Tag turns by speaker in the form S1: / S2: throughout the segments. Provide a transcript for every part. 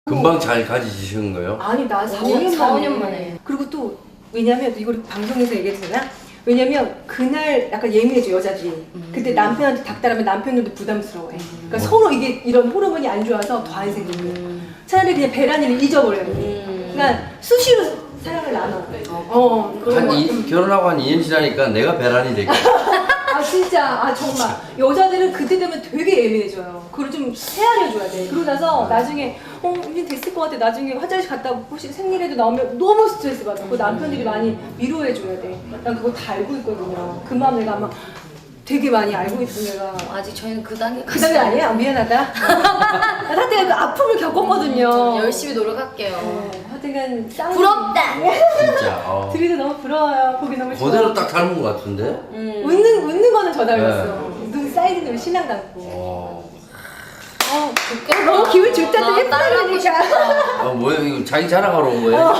S1: 금방 잘 가지시는 거예요?
S2: 아니 나
S3: 4년
S2: 4년 만에. 그리고 또 왜냐면 이걸 방송에서 얘기해도 되나? 왜냐면 그날 약간 예민해져 여자들이. 그때 남편한테 닥달하면 남편들도 부담스러워해. 그러니까 서로 이게 이런 호르몬이 안 좋아서 더 안 생기고. 차라리 그냥 배란이를 잊어버려요. 그러니까 수시로 사랑을 나눠.
S1: 결혼하고 한 2년 지나니까 내가 배란이 되겠다.
S2: 아 진짜 아 정말 여자들은 그때 되면 되게 예민해져요. 그걸 좀 헤아려줘야 돼. 그러고 나서 나중에 이제 됐을 것 같아. 나중에 화장실 갔다 혹시 생일에도 나오면 너무 스트레스 받아. 그 남편들이 많이 위로해줘야 돼. 난 그거 다 알고 있거든요. 그 마음 내가 아마 되게 많이 알고 있어 내가.
S3: 아직 저희는 그 단계
S2: 그 단계 아니에요? 미안하다. 나 사실 그 아픔을 겪었거든요.
S3: 열심히 노력할게요.
S2: 하여튼간 쌍
S3: 부럽다.
S1: 진짜.
S2: 둘이도 너무 부러워요. 보기 너무 좋아.
S1: 그대로 딱 닮은 것 같은데?
S2: 웃는 거는 저 닮았어. 눈 사이즈는 신랑 닮고. 너무 기분 좋다. 또 예쁘다니까.
S1: 뭐야 이거 자기 자랑하러 온 거예요?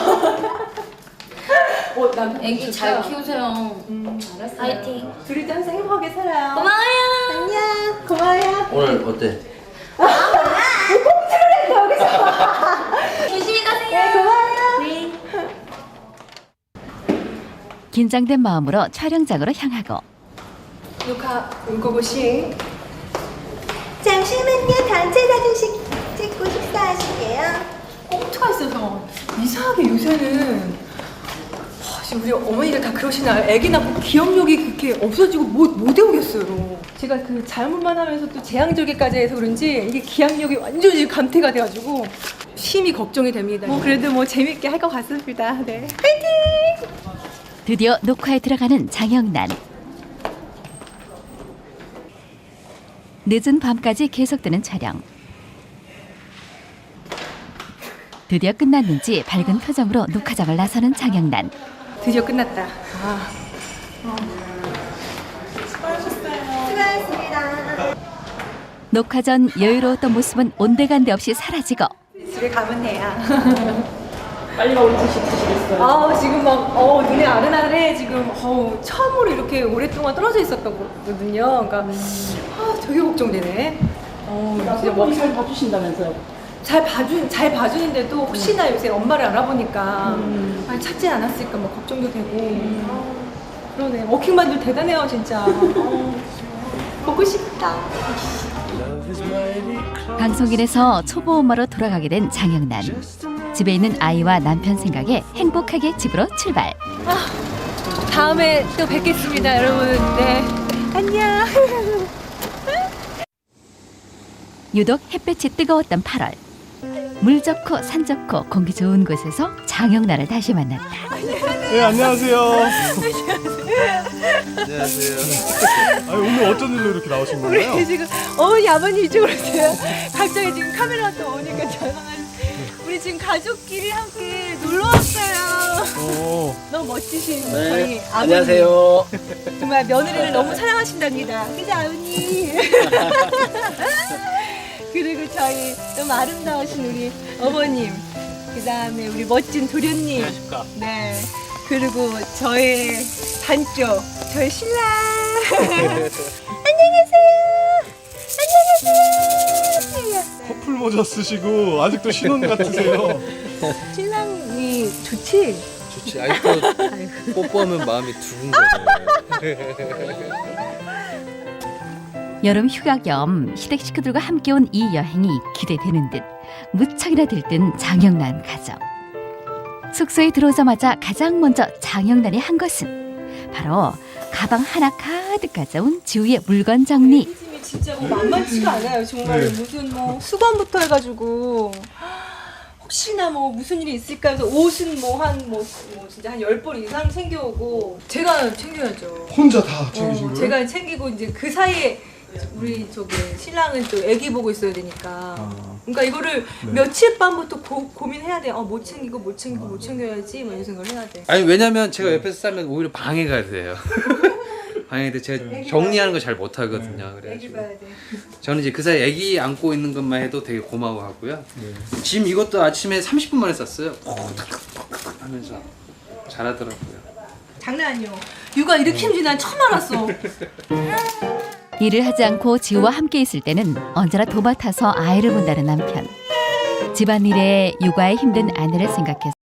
S2: 남편
S3: 애기 잘 키우세요.
S2: 잘했어요.
S3: 파이팅.
S2: 둘이도 항상 행복하게 살아요.
S3: 고마워요.
S2: 안녕. 고마워요.
S1: 오늘 어때?
S2: 꽁트를 했어 여기서.
S3: 조심히 가세요.
S2: 네, 고마워요.
S3: 네.
S4: 긴장된 마음으로 촬영장으로 향하고
S2: 녹화 울고보시. 잠시만요. 단체 사진 찍고 식사하실게요. 꽁트가 있어서 이상하게 요새는 지금 우리 어머니가 다 그러시나요? 애기 낳고 기억력이 그렇게 없어지고 못 외우겠어요. 제가 그 잘못만 하면서 또 재앙절개까지 해서 그런지 이게 기억력이 완전히 감퇴가 돼가지고 심히 걱정이 됩니다. 그래도 재밌게 할 것 같습니다. 네. 파이팅!
S4: 드디어 녹화에 들어가는 장영란. 늦은 밤까지 계속되는 촬영. 드디어 끝났는지 밝은 표정으로 녹화장을 나서는 장영란.
S2: 드디어 끝났다. 수고하셨습니다.
S4: 녹화 전 여유로웠던 모습은 온데간데 없이 사라지고
S2: 집에 가면 돼요. 빨리 가고 드시겠어요? 지금 눈이 아른아른해. 지금 처음으로 이렇게 오랫동안 떨어져 있었거든요. 그러니까 되게 걱정되네. 진짜
S5: 잘 봐주신다면서요?
S2: 잘 봐주는데도 혹시나 요새 엄마를 알아보니까 찾지 않았을까 걱정도 되고. 그러네. 워킹맘들 대단해요 진짜. 보고 싶다.
S4: 방송인에서 초보 엄마로 돌아가게 된 장영란. 집에 있는 아이와 남편 생각에 행복하게 집으로 출발.
S2: 다음에 또 뵙겠습니다 여러분. 네. 안녕.
S4: 유독 햇볕이 뜨거웠던 8월. 물 좋고 산 좋고 공기 좋은 곳에서 장영란을 다시 만났다.
S6: 네, 안녕하세요.
S1: 안녕하세요.
S6: 아니, 오늘 어쩐 일로 이렇게 나오신 건가요?
S2: 우리 지금 어머니 아버님 이쪽으로 오세요. 갑자기 지금 카메라 또 오니까 전화가. 우리 지금 가족끼리 함께 놀러 왔어요. 너무 멋지신 저희 아버님.
S5: 안녕하세요.
S2: 정말 며느리를 너무 사랑하신답니다. 그죠 아버님? 그리고 저희 너무 아름다우신 우리 어머님. 그 다음에 우리 멋진 도련님. 네. 그리고 저의 반쪽, 저의 신랑. 안녕하세요. 안녕하세요.
S6: 커플 모자 쓰시고 아직도 신혼 같으세요.
S2: 신랑이 좋지?
S5: 좋지. 아직도 뽀뽀하면 마음이 두근 거죠.
S4: 여름 휴가 겸 시댁 식구들과 함께 온 이 여행이 기대되는 듯 무척이나 들뜬 장영란 가족. 숙소에 들어오자마자 가장 먼저 장영란이 한 것은 바로 가방 하나 가득 가져온 지우의 물건 정리.
S2: 힘이 진짜 만만치가 않아요. 정말 무슨 수건부터 해가지고 혹시나 무슨 일이 있을까 해서 옷은 진짜 한 10벌 이상 챙겨오고 제가 챙겨야죠.
S6: 혼자 다 챙기신 거예요?
S2: 제가 챙기고 이제 그 사이에 우리 신랑은 또 애기 보고 있어야 되니까. 그러니까 이거를 며칠 밤부터 고민해야 돼. 못 챙겨야지. 이런 생각을 해야 돼.
S5: 아니 왜냐면 제가 옆에서 싸면 오히려 방해가 돼요. 방해돼. 제가 정리하는 거 잘 못하거든요.
S2: 애기
S5: 그래가지고
S2: 봐야 돼.
S5: 저는 이제 그 사이 애기 안고 있는 것만 해도 되게 고마워하고요. 짐 이것도 아침에 30분 만에 쌌어요. 하면서 잘하더라고요.
S2: 장난 아니요. 육아 이렇게 힘든지 난 처음 알았어.
S4: 일을 하지 않고 지우와 함께 있을 때는 언제나 도맡아서 아이를 본다는 남편. 집안일에 육아에 힘든 아내를 생각해서